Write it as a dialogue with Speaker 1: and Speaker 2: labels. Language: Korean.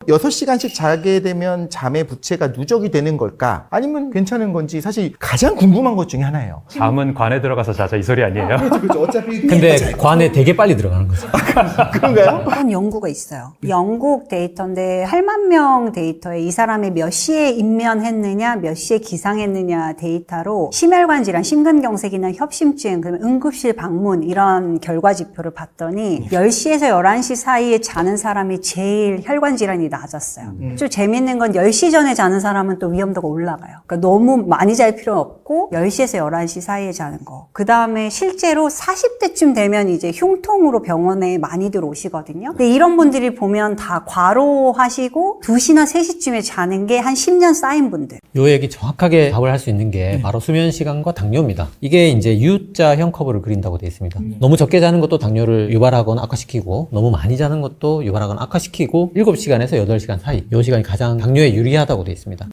Speaker 1: 6시간씩 자게 되면 잠의 부채가 누적이 되는 걸까? 아니면 괜찮은 건지 사실 가장 궁금한 것 중에 하나예요.
Speaker 2: 잠은 관에 들어가서 자자 이 소리 아니에요?
Speaker 1: 그렇죠. 어차피
Speaker 3: 근데 관에 되게 빨리 들어가는 거죠.
Speaker 1: 그런가요?
Speaker 4: 그런 연구가 있어요. 영국 데이터인데 8만 명 데이터에 이 사람이 몇 시에 입면했느냐, 몇 시에 기상했느냐 데이터로 심혈관 질환, 심근경색이나 협심증, 그다음에 응급실 방문 이런 결과 지표를 봤더니 10시에서 11시 사이에 자는 사람이 제일 혈관 질환이 낮았어요. 좀 재밌는 건 10시 전에 자는 사람은 또 위험도가 올라가요. 그러니까 너무 많이 잘 필요는 없고 10시에서 11시 사이에 자는 거. 그 다음에 실제로 40대쯤 되면 이제 흉통으로 병원에 많이들 오시거든요. 근데 이런 분들이 보면 다 과로하시고 2시나 3시쯤에 자는 게 한 10년 쌓인 분들.
Speaker 3: 요 얘기 정확하게 답을 할 수 있는 게 바로 수면 시간과 당뇨입니다. 이게 이제 U자형 커브를 그린다고 되어 있습니다. 너무 적게 자는 것도 당뇨를 유발하거나 악화시키고 너무 많이 자는 것도 유발하거나 악화시키고 7시간에서 8시간 사이 이 시간이 가장 당뇨에 유리하다고 되어 있습니다.